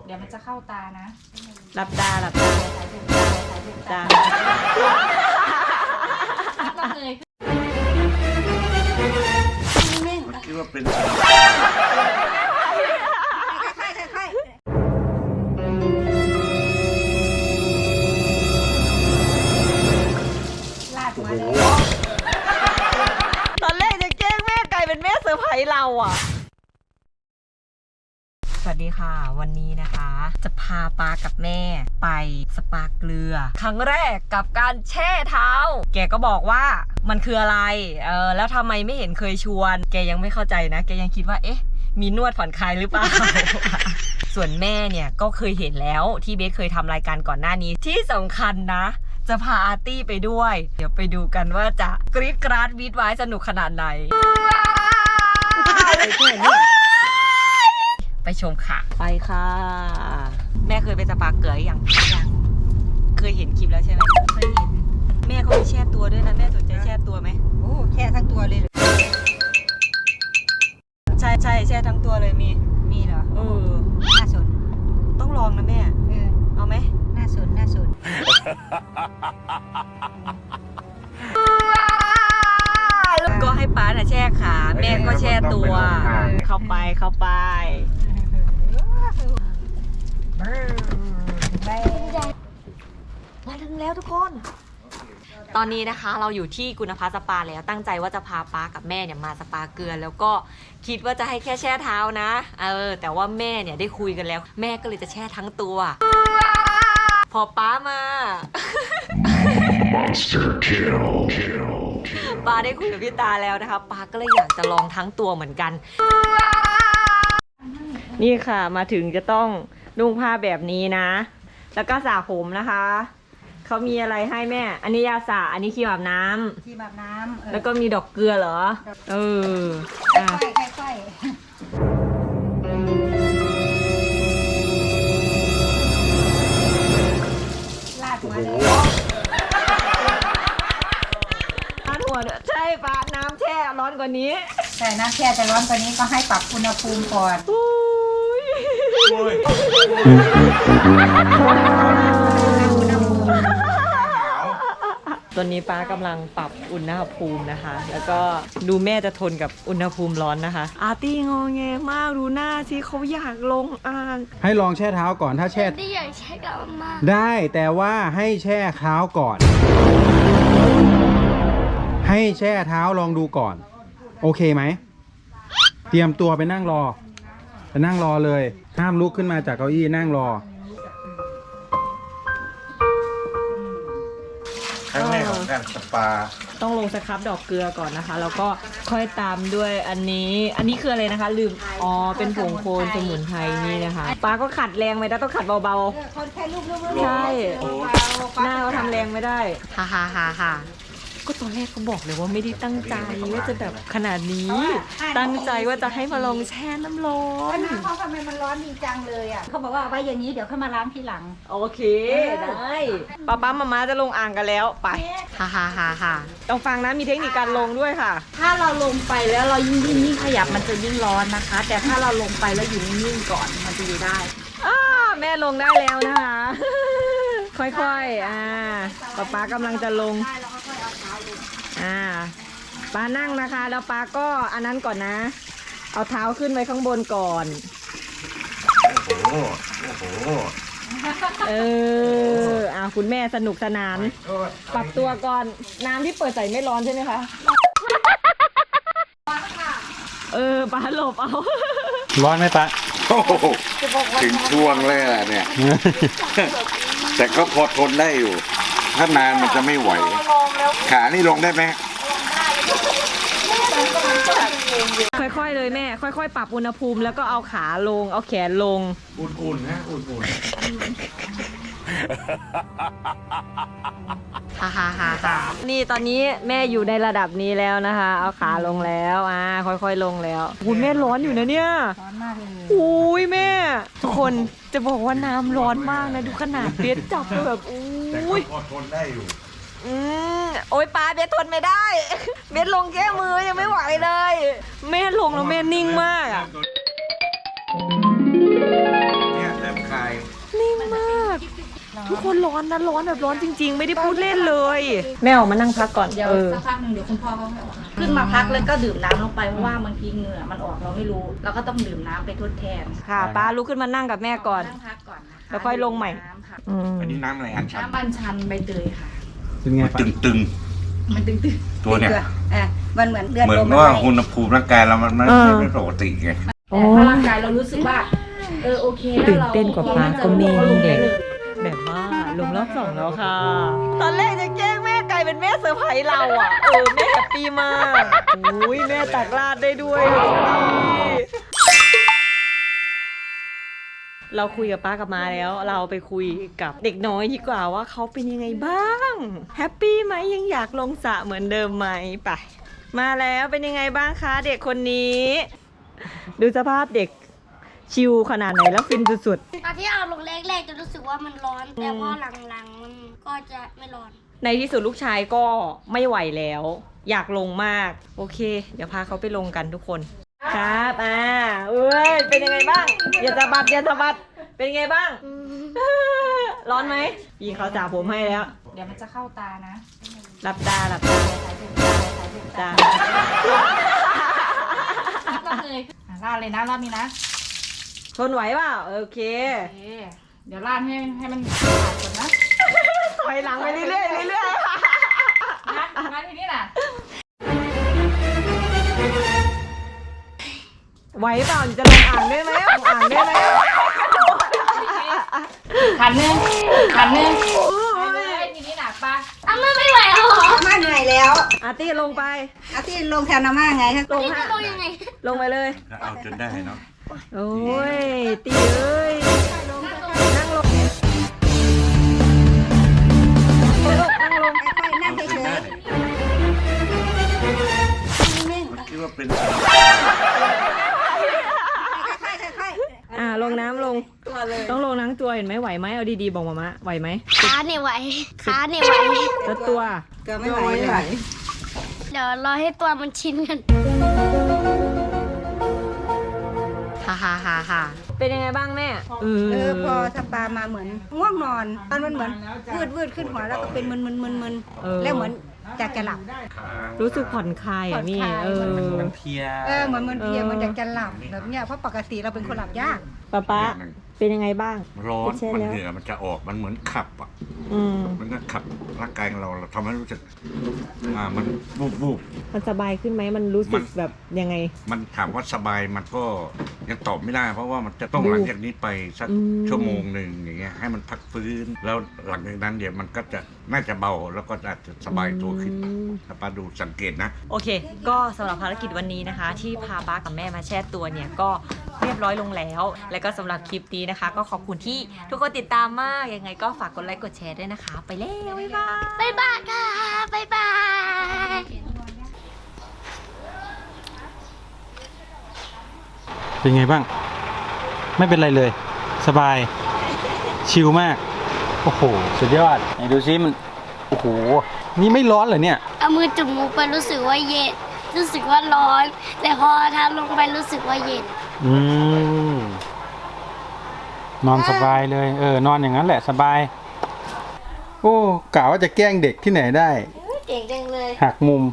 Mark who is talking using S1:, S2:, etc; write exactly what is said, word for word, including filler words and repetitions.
S1: เดี๋ยวมันจะเข้าตานะ
S2: หลับตาหลับตาตา
S1: ต้องเลย
S3: คิดว่าเป็น
S1: ลาดมาเลย
S2: ตอนแรกจะแกล้งแม่กลายเป็นแม่เซอร์ไพรส์เราอ่ะสวัสดีค่ะวันนี้นะคะจะพาป้ากับแม่ไปสปาเกลือครั้งแรกกับการแช่เท้าแกก็บอกว่ามันคืออะไรเออแล้วทำไมไม่เห็นเคยชวนแกยังไม่เข้าใจนะแกยังคิดว่าเอ๊ะมีนวดผ่อนคลายหรือเปล่า ส่วนแม่เนี่ยก็เคยเห็นแล้วที่เบสเคยทำรายการก่อนหน้านี้ที่สำคัญนะจะพาอาร์ตี้ไปด้วยเดี๋ยวไปดูกันว่าจะกรี๊ดกราดวีดไว้สนุกขนาดไหนไปชมค่ะไปค่ะแม่เคยไปสปาเกลืออย่างยังเคยเห็นคลิปแล้วใช่ไหมเคยเห็นแม่เขามีแช่ตัวด้วยนะแม่สนใจแช่ตัวไหม
S1: โอ้แช่ทั้งตัวเลยเหรอ
S2: ใช่ใช่แช่ทั้งตัวเลยมี
S1: มีเหรอ
S2: เออ
S1: น่าสน
S2: ต้องลองนะแม่
S1: เออ
S2: เอาไหม
S1: น่าสนน่าสน
S2: ก็ให้ป้าน่ะแช่ขาแม่ก็แช่ตัวเข้าไปเข้าไปมาถึงแล้วทุกคนตอนนี้นะคะเราอยู่ที่กุณภาสปาแล้วตั้งใจว่าจะพาป้ากับแม่เนี่ยมาสปาเกลือแล้วก็คิดว่าจะให้แค่แช่เท้านะเออแต่ว่าแม่เนี่ยได้คุยกันแล้วแม่ก็เลยจะแช่ทั้งตัวพอป้ามา
S3: Monster kill
S2: ป้าได้คุยกับพี่ตาแล้วนะคะป้าก็เลยอยากจะลองทั้งตัวเหมือนกันนี่ค่ะมาถึงจะต้องนุ่งผ้าแบบนี้นะแล้วก็สระผมนะคะเขามีอะไรให้แม่อันนี้ยาสระอันนี้ครีมอาบน้ำ
S1: ครีมอาบน้ำ
S2: แล้วก็มีดอกเกลือเหรอเออ
S1: ค่อยๆค่อยๆลาดมาเลย
S2: ลาดหัวใช่ป้าน้ำแช่ร้อนกว่านี้
S1: ใช่น้ำแช่จะร้อนกว่านี้ก็ให้ปรับอุณหภูมิก่อน
S2: ตอนนี้ป้ากำลังปรับอุณหภูมินะคะแล้วก็ดูแม่จะทนกับอุณหภูมิร้อนนะคะอาร์ตี้งอแงมากดูหน้าสิเขาอยากลงอ่าง
S4: ให้ลองแช่เท้าก่อนถ้าแช่
S5: ได้อยากแช่กับมา
S4: ได้แต่ว่าให้แช่เท้าก่อน ให้แช่เท้าลองดูก่อนโอเคไหมเตรียมตัวไปนั่งรอไปนั่งรอเลยห้ามลุกขึ้นมาจากเก้าอี้นั่งรอ
S3: ครั้งแรกของการสปา
S2: ต้องลงสครับดอกเกลือก่อนนะคะแล้วก็ค่อยตามด้วยอันนี้อันนี้คืออะไรนะคะลืมอ๋อเป็นผงโคนสมุนไพรนี่นะคะป้าก็ขัดแรงไม่ได้ต้องขัดเบา
S1: ๆคนแค่ลูกๆ
S2: ใช่หน้าเขาทำแรงไม่ได้ฮ่าฮ่าฮ่าฮ่าก็ตอนแรกเขาบอกเลยว่าไม่ได้ตั้งใจว่าจะแบบขนาดนี้ตั้งใจว่าจะให้มาลองแช่น้ำร้อน
S1: เขาทำไมมันร้อนจริงจังเลยอ่ะเขาบอกว่าไว้อย่างนี้เดี๋ยวค่อยมาล้างทีหลัง
S2: โอเคได้ป้าป้ามาม่าจะลงอ่างกันแล้วไปฮ่าฮ่าฮ่าฮ่าต้องฟังนะมีเทคนิคการลงด้วยค่ะ
S1: ถ้าเราลงไปแล้วเรายิ่งยิ่งขยับมันจะยิ่งร้อนนะคะแต่ถ้าเราลงไปแล้วอยู่นิ่งๆก่อนมันจะอยู่ได้
S2: อ้าแม่ลงได้แล้วนะคะค่อยๆอ่าป้าป้ากำลังจะลงอ่าป้านั่งนะคะแล้วป้าก็อันนั้นก่อนนะเอาเท้าขึ้นไว้ข้างบนก่อน
S3: โอ้โหโอ้โห
S2: เอออ่าคุณแม่สนุกสนานปรับตัวก่อนน้ำที่เปิดใส่ไม่ร้อนใช่ไหมคะเออป้าหลบเอา
S4: ร้อนไหมป้า
S3: โอ้โหถึงช่วงเลยอ่ะเนี่ยแต่ก็พอทนได้อยู่ถ้านานมันจะไม่ไหวขานี่ลงได้ไหม
S2: ค่อยๆเลยแม่ค่อยๆปรับอุณหภูมิแล้วก็เอาขาลงเอาแขนลง
S3: อุ่นๆนะอุ่นๆ
S2: ฮ่าฮ่าฮ่าฮ่านี่ตอนนี้แม่อยู่ในระดับนี้แล้วนะคะเอาขาลงแล้วอ่าค่อยๆลงแล้วคุณแม่ร้อนอยู่นะเนี่ย
S1: ร้อนมากเลย
S2: อุ้ยแม่ทุกคนจะบอกว่าน้ำร้อนมากนะดูขนาดเบสจับแบบอุ้ย
S3: พอทนได้อยู่
S2: อืมโอ้ยป้าเบสทนไม่ได้เบสลงแค่มือยังไม่ไหวเลยแม่ลงแล้วแม่นิ่งมากอ่ะ
S3: เนี่ยเริ่มคลาย
S2: ทุกคนร้อนนะร้อนแบบร้อนจริง ๆ ไม่ได้พูดเล่นเลย แม่ออกมานั่งพักก่อน
S1: เดี๋ยว
S2: เออ
S1: สักพักหนึ่งเดี๋ยวคุณพ่อเขาให้ออกมาขึ้นมาพักแล้วก็ดื่มน้ำลงไปเพราะว่าบางทีเหงื่อมันออกเราไม่รู้เราก็ต้องดื่มน้ำไปทดแทน
S2: ค่ะป้าลุกขึ้นมานั่งกับแม่ก่อน
S1: นั่งพักก่อนนะคะ
S2: แล้วค่อยลงใหม่
S1: น้ำค่ะ
S2: อืม
S3: อันนี้น้ำอะไรอันชัน
S1: น้ำบัญชันใบเตยค่ะ
S4: เป็นไง
S3: มัน
S4: ปะ
S3: ตึงตึง
S1: มันตึงตึง
S3: ๆตัวเนี่ย
S5: อ่ะมันเหมือนเลือด
S3: เหมือ
S5: ล
S3: น
S5: ม
S3: ว่า
S5: อะไร
S3: อุณหภูมิร่างกายเรามันไม่
S2: เออ
S3: ไม่ปกติไง
S1: แต่ถ้าร่างกายเรารู้สึกว่าเออโอเคแล้ว
S2: ตื่น
S1: เรา
S2: เต้นกว่าป้าก็มี
S1: ราลงไป
S2: เด็ก
S1: เลย
S2: แบบว่าลงรอบสองแล้วค่ะ ตอนแรกจะแกล้งแม่กลายเป็นแม่เซอร์ไพรส์เราอ่ะ เออแม่แฮปปี้มากอุ้ยแม่ตักราดได้ด้วยดูดิเราคุยกับป้ากับมาแล้ว เราไปคุยกับเด็กน้อยดีกว่าว่าเขาเป็นยังไงบ้างแฮปปี้ไหมยังอยากลงสระเหมือนเดิมไหมไปมาแล้วเป็นยังไงบ้างคะเด็กคนนี้ ดูสภาพเด็กชิลขนาดไหนแล้วฟินสุดๆ
S6: ตอนที่เอาลงแรกๆจะรู้สึกว่ามันร้อน แต่พอหลังๆมันก็จะไม่ร้อน
S2: ในที่สุดลูกชายก็ไม่ไหวแล้ว อยากลงมาก โอเค เดี๋ยวพาเขาไปลงกันทุกคน ครับอ่าเอ้ยเป็นยังไงบ้างอย่าสะบัดอย่าสะบัดเป็นยังไงบ้าง ร้อนไหมพี่เขาจ่าผมให้แล้ว
S1: เดี๋ยวมันจะเข้าตานะ
S2: หลับตาหลับตาตา
S1: รอบเลยอ่ะราดเลยนะรอบนี้นะ
S2: ทนไหวเปล่าโอเค
S1: โอเคเดี๋ยวราดให้ให้มันขาดก่อนนะ
S2: ถอยหลังไปเรื่อยๆเรื่อย
S1: นะมาทีนี้น่ะ
S2: ๆไหวเปล่าจะลงอ่างได้ไหมลงอ่างได้ไหม
S1: ขันหนึ่งขันหนึ่งไปเลยทีนี้น่ะปลา
S6: อ้าวไม่ไหวแล้วเหรอ
S5: อาม่าเหนื่อยแล้ว
S2: อาร์ตี้ลงไป
S5: อาที่ลงแทนอาม่าไงคะ
S2: ลง
S6: นี่
S2: ฮะ
S6: จะลงยังไง
S2: ลงไปเลย
S3: เอาจนได้เนาะ
S2: โอ้ยตีเอ้ยนั่งลงนั่งลง
S5: ค่อยๆนั่งเฉย
S3: มันคิดว่าเป็น
S5: ๆค่อยๆค่อย
S2: อ่าลงน้ำลงต้องลงทั้งตัวเห็นไหมไหวไหมเอาดีๆบอกมามะไหวไหม
S6: ขาเนี่ยไหว ขาเนี่ยไหว
S2: แล้วตัว
S5: ๆเกือบไม่ไหวเลย
S6: เดี๋ยวรอให้ตัวมันชินกัน
S2: ฮ่าฮ่าฮ่าฮ่าเป็นยังไงบ้างแม่เอ
S5: เออพอสปามาเหมือนง่วงนอนตอนมันเหมือนวืดวืดขึ้นหัวแล้วก็เป็นมึนมึนมึนมึนแล้วเหมือนอยากจะหลับ
S2: รู้สึกผ่อนคลายอ่ะนี่
S5: ผ่อนคลาย
S2: เออ
S3: มันเพลีย
S5: เออเหมือนมันเพลียมันอยากจะหลับแบบเนี้ยเพราะปกติเราเป็นคนหลับยาก
S2: ป๊าป๊าเป็นยังไงบ้าง
S3: ร้อน
S2: ใช่
S3: มัน
S2: แล้ว
S3: เหงื่อมันจะออกมันเหมือนขับอ่ะ
S2: อืม
S3: มันก็ขับร่างกายของเราเราทำให้รู้สึกอ่ามันบูบบูบ
S2: มันสบายขึ้นไหมมันรู้สึกแบบยังไง
S3: มันถามว่าสบายมันก็ยังตอบไม่ได้ เพราะว่ามันจะต้องหลังจากนี้ไปสัก
S2: อืม
S3: ชั่วโมงหนึ่งอย่างเงี้ยให้มันพักฟื้นแล้วหลังจากนั้นเดี๋ยวมันก็จะน่าจะเบาแล้วก็อาจจะสบายตัวขึ้น
S2: อืม
S3: ถ้าป้าดูสังเกตนะ
S2: โอเค ก็สำหรับภารกิจวันนี้นะคะ ที่พาป้ากับแม่มาแช่ตัวเนี่ยก็เรียบร้อยลงแล้ว และก็สำหรับคลิปนี้นะคะ ก็ขอบคุณที่ทุกคนติดตามมาก ยังไงก็ฝากกดไลค์กดแชร์ด้วยนะคะ ไปแล้วบ๊ายบาย
S6: บ๊ายบายค่ะ บ๊ายบาย
S4: เป็นไงบ้าง ไม่เป็นไรเลย สบาย ชิลมาก โอ้โห สุดยอดไหนดูซิมัน โอ้โห นี่ไม่ร้อนเหรอเนี่ย
S6: เอามือจุ่มมุกไปรู้สึกว่าเย็น รู้สึกว่าร้อน แต่พอทำลงไปรู้สึกว่าเย็น
S4: อืม นอนสบายเลย เออ นอนอย่างนั้นแหละสบาย โอ้กะว่าจะแกล้งเด็กที่ไหนได้
S6: เก่งจังเลย
S4: หักมุม